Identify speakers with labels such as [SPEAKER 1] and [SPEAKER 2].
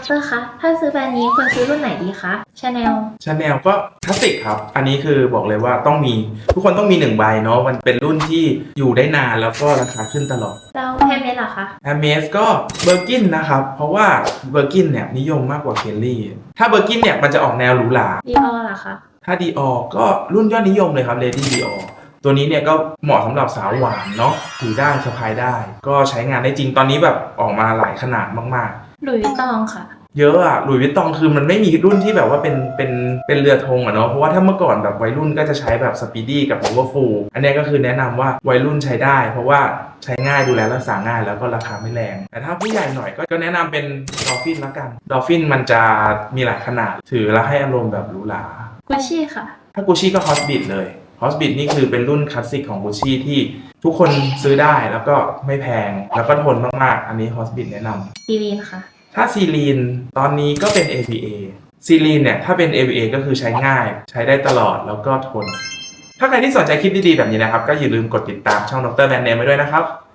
[SPEAKER 1] รคะถ้าซื้อแบรนด์นี้ควรซื้อรุ่นไหนดีคะชาแนล
[SPEAKER 2] ก็คลาสสิกครับอันนี้คือบอกเลยว่าต้องมีทุกคนต้องมี1ใบเนาะมันเป็นรุ่นที่อยู่ได้นานแล้วก็ราคาขึ้นตลอด
[SPEAKER 1] แล้วแฮมเมดล่ะคะ
[SPEAKER 2] แฮมเมสก็เบอร์กินนะครับเพราะว่าเบอร์กินเนี่ยนิยมมากกว่าเคลลี่ถ้าเบอร์กินเนี่ยมันจะออกแนวหรูหรา
[SPEAKER 1] ดีออล่ะคะ
[SPEAKER 2] ถ้าดีออก็รุ่นยอดนิยมเลยครับเลดี้ดีออตัวนี้เนี่ยก็เหมาะสำหรับสาวหวานเนาะถือได้สะพายได้ก็ใช้งานได้จริงตอนนี้แบบออกมาหลายขนาดมาก
[SPEAKER 1] หลุยส์วิตตองค่ะ
[SPEAKER 2] เยอะอะหลุยส์วิตตองคือมันไม่มีรุ่นที่แบบว่าเป็นเรือธงอะเนาะเพราะว่าถ้าเมื่อก่อนแบบวัยรุ่นก็จะใช้แบบสปีดี้กับโอเวอร์ฟูลอันนี้ก็คือแนะนำว่าวัยรุ่นใช้ได้เพราะว่าใช้ง่ายดูแลรักษาง่ายแล้วก็ราคาไม่แรงแต่ถ้าผู้ใหญ่หน่อยก็แนะนำเป็นดอลฟินละกันดอลฟินมันจะมีหลายขนาดถือแล้วให้อารมณ์แบบหรูหรา
[SPEAKER 1] กุชชี่ค่ะ
[SPEAKER 2] ถ้ากุชชี่ก็ฮอสบิทเลยฮอสบิทนี่คือเป็นรุ่นคลาสสิกของกุชชี่ที่ทุกคนซื้อได้แล้วก็ไม่แพงแล้วก็ทนมากๆอันนี้ฮอสบิทแนะนำ
[SPEAKER 1] ซีรีนค่ะ
[SPEAKER 2] ถ้าซีลีนตอนนี้ก็เป็น AVA ซีลีนเนี่ยถ้าเป็น AVA ก็คือใช้ง่ายใช้ได้ตลอดแล้วก็ทนถ้าใครที่สนใจคลิปดีๆแบบนี้นะครับก็อย่าลืมกดติดตามช่องดรแบรนด์เนมไว้ด้วยนะครับ